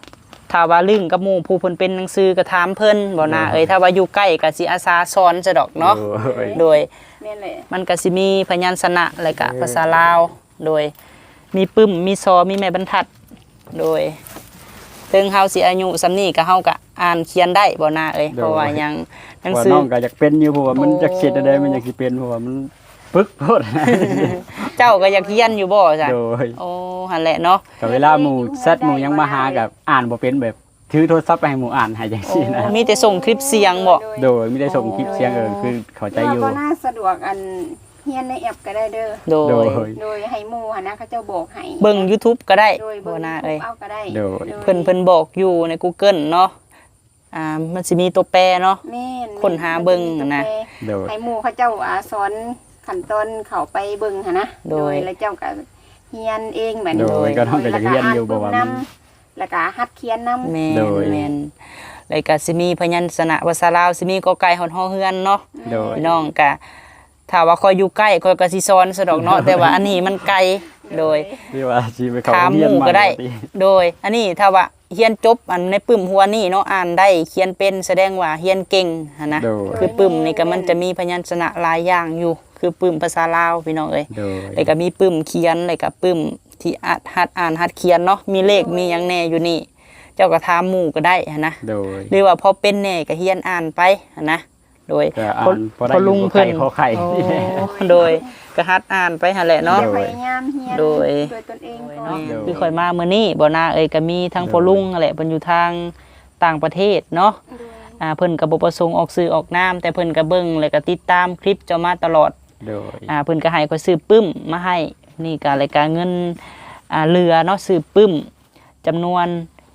[SPEAKER 1] ถ้าว่าลึงกับหมู่ผู้เพิ่นเป็นหนังสือก็ถามเพิ่นบ่นะเอ้ยถ้าว่าอยู่ใกล้ก็สิอาสาสอนซะดอกเนาะโดย
[SPEAKER 3] แม่นแหละ
[SPEAKER 1] มันก็สิมีพยัญชนะแล้วก็ภาษาลาวโดยมีปึ้มมีซอมีแม่บรรทัดโดยถึงเฮาสิอายุส่ำนี้ก็เฮาก็อ่านเขียนได้บ่นะเอ้ยเพราะว่ายังหนัง
[SPEAKER 2] ว่า
[SPEAKER 1] สือ
[SPEAKER 2] น้องก็อยากเป็นอยู่เพราะว่ามันอยากเขียนอะไรมันอยากสิเป็นเพราะว่ามันปึกโพด
[SPEAKER 1] เจ้าก็อยากเขียนอยู่บ่จ้ะ
[SPEAKER 2] โดย
[SPEAKER 1] โอ้หั่นแหละเนาะ
[SPEAKER 2] ก็เวลาหมู่ซัดหมู่ยังมาหากับอ่านบ่เป็นแบบถือโทรศัพท์ไปให้หมู่อ่านให้จังซี่นะ
[SPEAKER 1] มีแต่ส่งคลิปเสียงบ่
[SPEAKER 2] โดยไม่ได้ส่งคลิปเสียงคือเข้าใจอยู่
[SPEAKER 3] ก็น่าสะดวกอันเฮียนในแอปก็ได้เด้อ
[SPEAKER 1] โด
[SPEAKER 2] โด
[SPEAKER 1] ย
[SPEAKER 2] ย
[SPEAKER 3] โดยให้หมู่หั่นนะเขาเจ้าบอกให้
[SPEAKER 1] เบิ่ง YouTube ก็ได้
[SPEAKER 3] โดย
[SPEAKER 1] บ่
[SPEAKER 3] เบิ่ง
[SPEAKER 1] นะเอ้ย
[SPEAKER 3] เอาก็ได้
[SPEAKER 2] โดย
[SPEAKER 1] เพิ่นบอกอยู่ใน Google เนาะมันสิมีตัวแปรเนาะ
[SPEAKER 3] แม่น
[SPEAKER 1] ค้นหาเบิ่งนะ
[SPEAKER 2] โดย
[SPEAKER 3] ให้หมู่เขาเจ้าสอนขั้นตอนเข้าไปเบิ่งหั่นนะ
[SPEAKER 1] โดย
[SPEAKER 3] แล้วเจ้าก็เฮียนเองแบบ
[SPEAKER 2] โด
[SPEAKER 3] นี้
[SPEAKER 2] ยก็ต้องก็จะเรียนอยู่บ่ว่ามัน
[SPEAKER 3] แล้วก็หัดเขียนนำ
[SPEAKER 1] แม่
[SPEAKER 2] โด
[SPEAKER 1] น
[SPEAKER 2] ย
[SPEAKER 1] แม่นแล้วก็สิมีพยัญชนะภาษาลาวสิมีกอไก่ฮอดฮอเฮือนเนาะ
[SPEAKER 2] โดย
[SPEAKER 1] พี่น้องก็ถ้าว่าคอยอยู่ใกล้คอยก็สิสอนซะดอกเนาะ แต่ว่าอันนี้มันไกลโดย
[SPEAKER 2] ที่ว่าสิไปเข้า
[SPEAKER 1] ถาม
[SPEAKER 2] โรง
[SPEAKER 1] ห
[SPEAKER 2] เรียน
[SPEAKER 1] มู่
[SPEAKER 2] ใหม่
[SPEAKER 1] ก็ได้
[SPEAKER 2] ปติ
[SPEAKER 1] โดย อันนี้ถ้าว่าเรียนจบอันในปึ้มหัวนี่เนาะอ่านได้เขียนเป็นแสดงว่าเรียนเก่งหันนะ
[SPEAKER 2] โดย
[SPEAKER 1] คือปึ้มนี่ก็มันจะมีพยัญชนะหลายอย่างอยู่ คือปึ้มภาษาลาวพี่น้องเอ้ย
[SPEAKER 2] โดย
[SPEAKER 1] แล้วก็มีปึ้มเขียนแล้วก็ปึ้มที่หัดอ่านหัดเขียนเนาะมีเลขมีหยังแน่อยู่นี่ เจ้าก็ถามหมู่ก็ได้หันนะ
[SPEAKER 2] โดย
[SPEAKER 1] หรือว่าพอเป็นแน่ก็เรียนอ่านไปหันนะโดย
[SPEAKER 2] ก็อ่านพอได้
[SPEAKER 1] พอลุงเพิ่น
[SPEAKER 2] ขอไข่
[SPEAKER 1] โอ้โดยก็หัดอ่านไปหั่นแหละเนาะ
[SPEAKER 3] พยายามเฮียน
[SPEAKER 1] โดย
[SPEAKER 3] ตนเองก่อ
[SPEAKER 1] เนาะ
[SPEAKER 3] น
[SPEAKER 1] คือข่อยมามื้อนี้บ่นาเอ้ยก็มีทั้งพ่อลุงนั่นแหละเพิ่นอยู่ทางต่างประเทศเนาะเพิ่นก็บ่ประสงค์ออกสื่อออกนามแต่เพิ่นก็เบิ่งแล้วก็ติดตามคลิปเจ้ามาตลอด
[SPEAKER 2] โดย
[SPEAKER 1] เพิ่นก็ให้ข่อยซื้อปึ้มมาให้นี่ก็รายการเงินเรือเนาะซื้อปึ้มจำนวน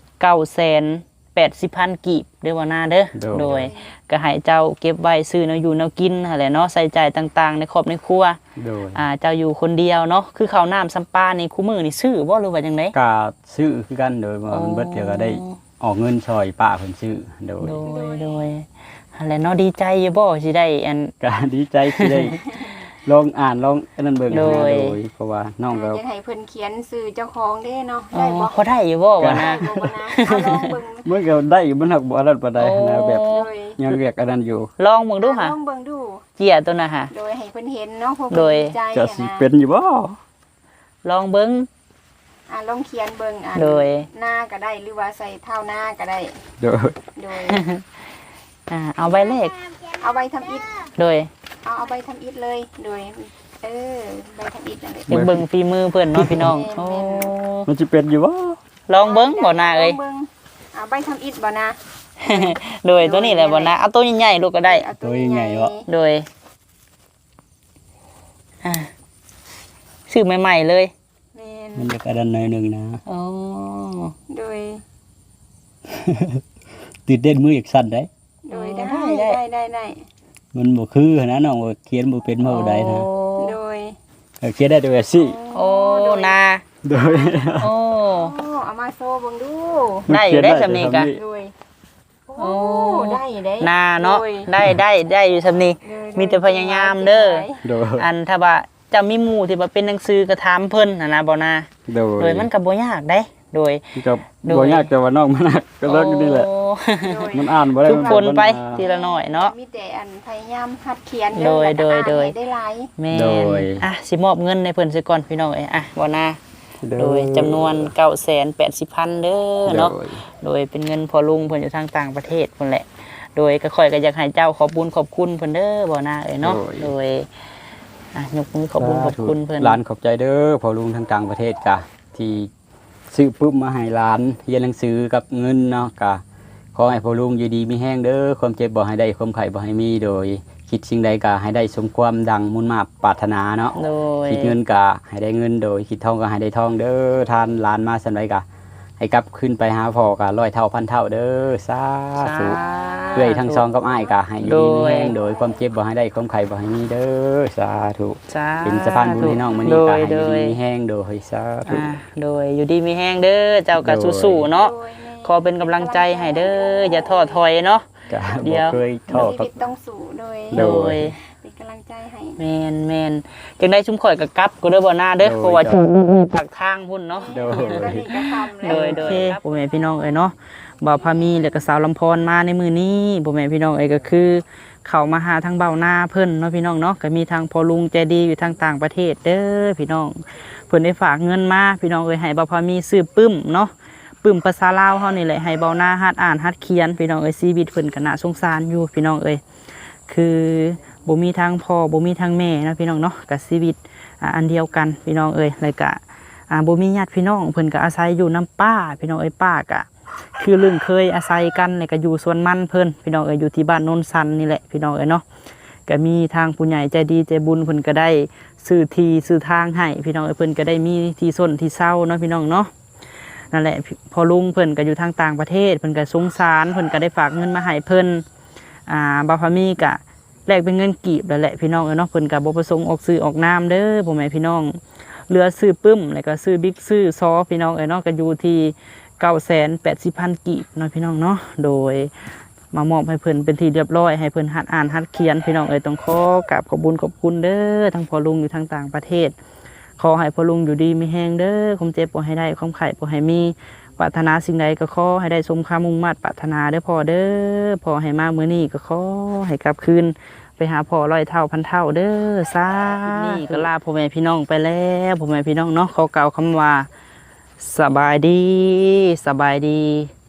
[SPEAKER 1] 980,000 กีบเด้อว่านาเด้อโดยก็ให้เจ้าเก็บไว้ซื้อแนวอยู่แนวกินนั่นแหละเนาะใส่จ่ายต่างๆในครอบในครัว
[SPEAKER 2] โดย
[SPEAKER 1] เจ้าอยู่คนเดียวเนาะคือข้าวน้ำซ้ำปลานี่คู่มือนี่ซื้อบ่หรือว่าจังได๋
[SPEAKER 2] ก็ซื้อคือกันโดยว่ามันเบิดเดี๋ยวก็ได้ออกเงินช่วยป้าเพิ่นซื้อโดย
[SPEAKER 1] โดยหั่นแหละเนาะดีใจอยู่บ่สิได้อัน
[SPEAKER 2] ก็ดีใจที่ได้ลองอ่านลองอันนั้นเบิ่งนะ
[SPEAKER 1] โด
[SPEAKER 2] โด
[SPEAKER 1] ย
[SPEAKER 2] ยเพราะว่าน้องก็
[SPEAKER 3] จะให้เพิ่นเขียนชื่อเจ้าของเด้เนาะ
[SPEAKER 1] อ๋
[SPEAKER 3] ได้
[SPEAKER 1] อ
[SPEAKER 3] บ่
[SPEAKER 1] พอได้อยู่บ่วะนะ
[SPEAKER 3] ได้บ่นะเอาลองเบิ่ง
[SPEAKER 2] มันก็ได้อยู่มันหักบ่อันนั้นปานใดนะแบบ
[SPEAKER 1] โอ้
[SPEAKER 3] โดย
[SPEAKER 2] ยังเรียกอันนั้นอยู่
[SPEAKER 1] ลองเบิ่งดูค่ะ
[SPEAKER 3] ลองเบิ่งดู
[SPEAKER 1] เจียตัวน่ะค่ะ
[SPEAKER 3] โดยให้เพิ่นเห็นเนาะพวก
[SPEAKER 1] โดย
[SPEAKER 3] ใจ
[SPEAKER 2] จะ
[SPEAKER 3] อะ
[SPEAKER 2] สิ
[SPEAKER 3] นะ
[SPEAKER 2] เป็นอยู่บ่
[SPEAKER 1] ลองเบิ่ง
[SPEAKER 3] ลองเขียนเบิ่ง
[SPEAKER 1] โดย
[SPEAKER 3] หน้าก็ได้หรือว่าใส่เท้าหน้าก็ได้
[SPEAKER 2] โดย
[SPEAKER 3] โดย
[SPEAKER 1] เอาใบเลข
[SPEAKER 3] เอาใบทำอิฐ
[SPEAKER 1] โดย
[SPEAKER 3] เอาใบทำอิฐเลยโดยใบทำอิฐนั่นแหละ
[SPEAKER 1] อยากเบิ่งฝีมือเพิ่นเนาะพี่น้องโอ้
[SPEAKER 2] มันสิเป็นอยู่บ่
[SPEAKER 1] ลองเบิ่งบ่นาเอ้ย
[SPEAKER 3] ลงบิ่งเอาใบทำอิฐบ่นะ
[SPEAKER 1] โดยตัวนี้แหละบ่นะเอาตัวใหญ่ๆลูกก็ได้
[SPEAKER 3] เอาตัวใหญ่
[SPEAKER 1] โดยซื้อใหม่ๆเลย
[SPEAKER 3] แม่น
[SPEAKER 2] มันอยากอันนั้นหน่อยหนึงนะ
[SPEAKER 1] อ๋อ
[SPEAKER 3] โดย
[SPEAKER 2] ตื่นเต้นมืออีกสั่นได้
[SPEAKER 3] โดยได้
[SPEAKER 2] มันบ่คือนะน้องว่าเขียนบ่เป็นบ่ได้นะ
[SPEAKER 3] โดย
[SPEAKER 2] ก็เขียนได้แต่ว่าสิ
[SPEAKER 1] โอ้นา
[SPEAKER 2] โดย
[SPEAKER 1] โอ้
[SPEAKER 3] โอ้เอามาโซ่เบิ่งดู
[SPEAKER 1] ได้อยู่ได้สำนีกะ
[SPEAKER 3] โดยโอ้ได้ได้
[SPEAKER 1] นาเนาะ
[SPEAKER 3] โดย
[SPEAKER 1] ได้อยู่สำนี
[SPEAKER 3] โดย
[SPEAKER 1] มีแต่พยายามเด้อ
[SPEAKER 2] โดย
[SPEAKER 1] อันถ้าว่าจะมีหมู่ที่ว่าเป็นหนังสือกระถามเพิ่นนะบ่นา
[SPEAKER 2] โดย
[SPEAKER 1] โดยมันก็บ่ยากได้โดย
[SPEAKER 2] ก็
[SPEAKER 1] โดย
[SPEAKER 2] บ่ยากแต่ว่าน้องมันหนักก็เลิกนี่แหละ
[SPEAKER 1] โอ้
[SPEAKER 3] โดย
[SPEAKER 2] มันอ่านบ่ได้
[SPEAKER 1] ทุกคนไป
[SPEAKER 2] มั
[SPEAKER 1] ทีละหน่อยเนาะ
[SPEAKER 3] มีแต่อันพยายามหัดเขียน
[SPEAKER 1] โดย
[SPEAKER 3] แล้วก็
[SPEAKER 1] โดย
[SPEAKER 3] อ่านให้ได้หลาย
[SPEAKER 1] แม่
[SPEAKER 2] โดย
[SPEAKER 1] สิมอบเงินในเพิ่นซะก่อนพี่น้องเอ้ยบ่นาโดยจำนวน 980,000 เด้อเนาะ
[SPEAKER 2] โดย
[SPEAKER 1] โดยเป็นเงินพอลุงเพิ่นอยู่ทางต่างประเทศพุ่นแหละ โดยก็ค่อยก็อยากให้เจ้าขอบบุญขอบคุณเพิ่นเด้อบ่นาเอ้ยเนาะโดยยกมือขอบบุญขอบคุณเพิ่น
[SPEAKER 2] หลานขอบใจเด้อพอลุงทางต่างประเทศกะที่ซื้อปุ๊บมาให้หลานเรียนหนังสือกับเงินเนาะกะขอให้พอลุงอยู่ดีมีแห้งเด้อความเจ็บบ่ให้ได้ความไข้บ่ให้มีโดย คิดสิ่งใดกะให้ได้สมความดังมุ่นมาปรารถนาเนาะ
[SPEAKER 1] โดย
[SPEAKER 2] คิดเงินกะให้ได้เงินโดยคิดทองก็ให้ได้ทองเด้อทานหลานมาสันไดกะให้กลับขึ้นไปหาพ่อกะ100 เท่าพันเท่าเด้อสาธุเพื่อให้ทั้งซองกับอ้ายกะให้อยู่ดีมีแห้งโดยความเจ็บบ่ให้ได้ความไข้บ่ให้มีเด้อสาธุ เป็นสะพานบุญให้น้องมื้อนี้ก็ให้อยู่ดีมีแห้งโดยสาธุ
[SPEAKER 1] โดยอยู่ดีมีแห้งเด้อเจ้าก็สู้ๆเนาะ
[SPEAKER 3] โดยแม่
[SPEAKER 1] ขอเป็นกำลังใจให้เด้ออย่าท้อถอยเนาะ
[SPEAKER 2] ก็
[SPEAKER 1] เดี๋
[SPEAKER 2] บ่
[SPEAKER 1] ยว
[SPEAKER 2] เคยท้อ
[SPEAKER 3] ชี
[SPEAKER 2] กับ
[SPEAKER 3] วิตต้องสู้โดย
[SPEAKER 2] โด
[SPEAKER 3] เป็นกำลังใจให้
[SPEAKER 1] แม่นจังได้ชุมข่อยก็กลับก็เด้อบ่หน้าเด้อเพราะว่าปากทางพุ่นเนาะ
[SPEAKER 2] โดย
[SPEAKER 3] ก็นี่ก็ทำแล้ว
[SPEAKER 1] โดยพ่อแม่พี่น้องเอ้ยเนาะบ่าวพามีแล้วก็สาวลำพรมาในมื้อนี้พ่อแม่พี่น้องเอ้ยก็คือเข้ามาหาทางเบ้าหน้าเพิ่นเนาะพี่น้องเนาะก็มีทางพ่อลุงใจดีอยู่ทางต่างประเทศเด้อพี่น้องเพิ่นได้ฝากเงินมาพี่น้องเอ้ยให้บ่าวพามีซื้อปึ้มเนาะปึ้มภาษาลาวเฮานี่แหละให้เบ้าหน้าหัดอ่านหัดเขียนพี่น้องเอ้ยชีวิตเพิ่นก็น่าสงสารอยู่พี่น้องเอ้ยคือบ่มีทางพ่อบ่มีทางแม่นะพี่น้องเนาะก็ชีวิตอันเดียวกันพี่น้องเอ้ยแล้วก็บ่มีญาติพี่น้องเพิ่นก็อาศัยอยู่น้ำป้าพี่น้องเอ้ยป้าก็คือเรื่องเคยอาศัยกันแล้วก็อยู่สวนมันเพิ่นพี่น้องเอ้ยอยู่ที่บ้านโนนสันนี่แหละพี่น้องเอ้ยเนาะก็มีทางผู้ใหญ่ใจดีใจบุญเพิ่นก็ได้ซื้อที่ซื้อทางให้พี่น้องเอ้ยเพิ่นก็ได้มีที่ส้นที่เศร้าเนาะพี่น้องเนาะนั่นแหละพอลุงเพิ่นก็อยู่ทางต่างประเทศเพิ่นก็สงสารเพิ่นก็ได้ฝากเงินมาให้เพิ่นบ่าวพามีก็แลกเป็นเงินกีบแล้วแหละพี่น้องเอ้ยเนาะเพิ่นก็บ่ประสงค์ออกซื้อออกนามเด้อพ่อแม่พี่น้องเหลือซื้อปึ้มแล้วก็ซื้อบิ๊กซื้อซอพี่น้องเอ้ยเนาะก็อยู่ที่980,000 กีบเนาะพี่น้องเนาะโดยมามอบให้เพิ่นเป็นที่เรียบร้อยให้เพิ่นหัดอ่านหัดเขียนพี่น้องเอ้ยต้องขอกราบขอบคุณเด้อทั้งพ่อลุงอยู่ทางต่างประเทศขอให้พ่อลุงอยู่ดีมีแฮงเด้อความเจ็บบ่ให้ได้ความไข้บ่ให้มีปรารถนาสิ่งใดก็ขอให้ได้สมความมุ่งมั่นปรารถนาเด้อพ่อเด้อพ่อให้มามื้อนี้ก็ขอให้กลับคืนไปหาพ่อร้อยเท่าพันเท่าเด้อสาธุนี่ก็ลาพ่อแม่พี่น้องไปแล้วพ่อแม่พี่น้องเนาะขอกล่าวคำว่าสบายดี